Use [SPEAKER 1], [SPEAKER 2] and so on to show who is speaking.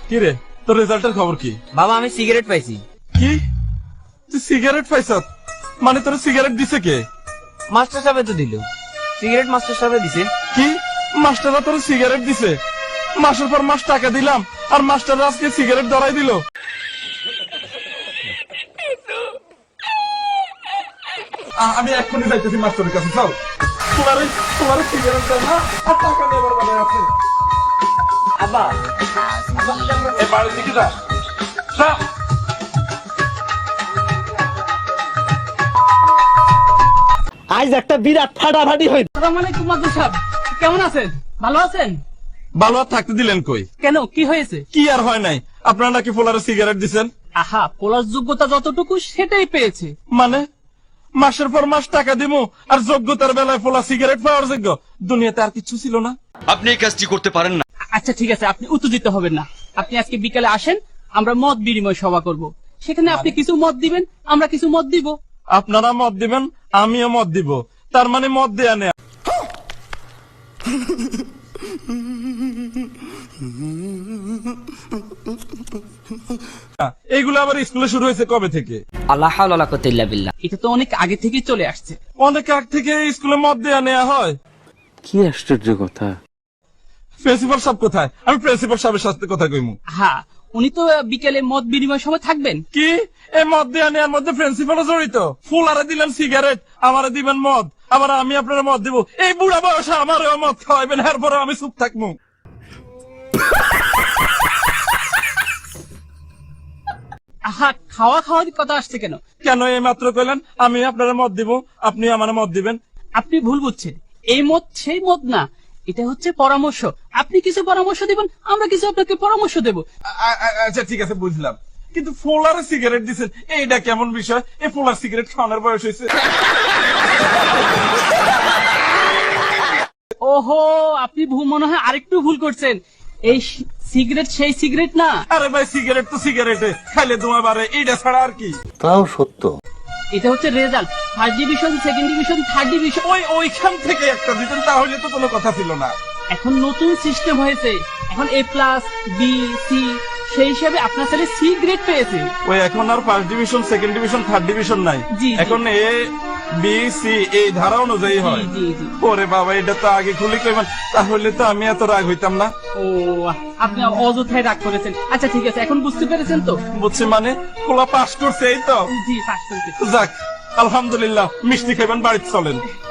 [SPEAKER 1] কি রে, তোর রেজাল্টের খবর কি?
[SPEAKER 2] বাবা আমি সিগারেট পাইছি।
[SPEAKER 1] কি, তুই সিগারেট পাইছ? মানে তোর সিগারেট দিছে কে?
[SPEAKER 2] মাস্টার সাহেব তো দিল সিগারেট, মাস্টার সাহেব দিছে।
[SPEAKER 1] কি, মাস্টাররা তোর সিগারেট দিছে? মাসের পর মাস টাকা দিলাম আর মাস্টাররা আজকে সিগারেট ধরাই দিল। আমি এক্ষুনি যাইতেছি মাস্টারের কাছে। চল, তোমার সিগারেট দেয় না আর টাকা নেবার বেলায় আছে।
[SPEAKER 2] আব্বা
[SPEAKER 1] এই বাড়ির দিকে যা, যা।
[SPEAKER 3] আজ একটা বিরাট ফাটাফাটি হইল।
[SPEAKER 4] আসসালামু আলাইকুম মাদুর সাহেব, কেমন আছেন? ভালো আছেন?
[SPEAKER 1] ভালো আর থাকতে দিলেন কই?
[SPEAKER 4] কেন, কি হয়েছে?
[SPEAKER 1] কি আর হয় নাই, আপনারা নাকি ফোলারে সিগারেট দিছেন।
[SPEAKER 4] আহা, পোলার যোগ্যতা যতটুকু সেটাই পেয়েছে।
[SPEAKER 1] মানে মাসের পর মাস টাকা দিমু আর যোগ্যতার বেলায় ফোলা সিগারেট পাওয়ার যোগ্য? দুনিয়াতে আর কিছু ছিল না?
[SPEAKER 5] আপনি এই কাজটি করতে পারেন না।
[SPEAKER 4] আচ্ছা ঠিক আছে, আপনি উত্তেজিত হবেন না। আপনি আজকে বিকালে আসেন, আমরা মত বিনিময় সভা করব। সেখানে আপনি কিছু মত দিবেন, আমরা কিছু মত দিব।
[SPEAKER 1] আপনারা মত দিবেন, আমিও মত দিব। তার মানে মত দেয়া নেয়া। এইগুলো আবার স্কুলে শুরু হয়েছে কবে থেকে?
[SPEAKER 2] আল্লাহ হাওলা ওয়ালা কুওয়াতা ইল্লা বিল্লাহ।
[SPEAKER 4] এটা তো অনেক আগে থেকেই চলে আসছে।
[SPEAKER 1] অনেক আগ থেকে স্কুলে মত দেয়া নেয়া হয়।
[SPEAKER 3] কি আশ্চর্য কথা।
[SPEAKER 1] প্রিন্সিপাল সাহেব কোথায়? আমি প্রিন্সিপাল সাহেবের সাথে কথা কইমু।
[SPEAKER 4] হ্যাঁ, উনি তো বিকেলে মত বিনিময় সময় থাকবেন।
[SPEAKER 1] কি, এই মদ দেয়া নেওয়ার মধ্যে প্রিন্সিপালও জড়িত? ফুলারে দিলেন সিগারেট, আমারে দিবেন মদ, আবার আমি আপনারা মদ দিব। এই বুড়া বয়সে আমারও মদ খাওয়াইবেন, এরপরে আমি চুপ থাকবো?
[SPEAKER 4] আহা, খাওয়া খাওয়ার কথা আসছে কেন?
[SPEAKER 1] কেন এই মাত্র কইলেন আমি আপনারা মদ দিব, আপনি আমার মদ দিবেন?
[SPEAKER 4] আপনি ভুল বুঝছেন, এই মত সেই মত না, এটা হচ্ছে পরামর্শ। আপনি কিছু পরামর্শ দিবেন, আমরা কিছু আপনাকে পরামর্শ দেব।
[SPEAKER 1] আচ্ছা ঠিক আছে, বুঝলাম, কিন্তু ফোলারে সিগারেট দিচ্ছেন, এইটা কেমন বিষয়? এই ফোলার সিগারেট খাওয়ানোর বয়স হয়েছে?
[SPEAKER 4] ওহো, আপনি মনে হয় আরেকটু ভুল করছেন। এই সিগারেট সেই সিগারেট না।
[SPEAKER 1] আরে ভাই, সিগারেট তো সিগারেটে, খাইলে তোমার বারে, এইটা ছাড়া আর কি?
[SPEAKER 3] তাও সত্য।
[SPEAKER 4] এটা হচ্ছে result, first division, second division, third division.
[SPEAKER 1] ওইখান থেকে একটা দিতেন তাহলে তো কোনো কথা ছিল না।
[SPEAKER 4] এখন নতুন সিস্টেম হয়েছে, এখন এ প্লাস, বি, সি, সেই হিসাবে আপনার ছেলে সি গ্রেড পেয়েছে।
[SPEAKER 1] ওই এখন আর first division, second division, third division নাই।
[SPEAKER 4] জি, জি।
[SPEAKER 1] এখন এ বি সি এই ধারা অনুযায়ী হয়।
[SPEAKER 4] জি, জি, জি।
[SPEAKER 1] ওরে বাবা, এটা তো আগে খুলে কইবেন, তাহলে তো আমি এত রাগ হইতাম না।
[SPEAKER 4] ও, আপনি অযথায় রাগ করেছেন। আচ্ছা ঠিক আছে, এখন বুঝতে পেরেছেন তো?
[SPEAKER 1] বুঝছি, মানে খোলা পাস করছে, এই তো?
[SPEAKER 4] জি, পাস করতে।
[SPEAKER 1] যাক, আলহামদুলিল্লাহ। মিষ্টি খাইবেন, বাড়িতে চলেন।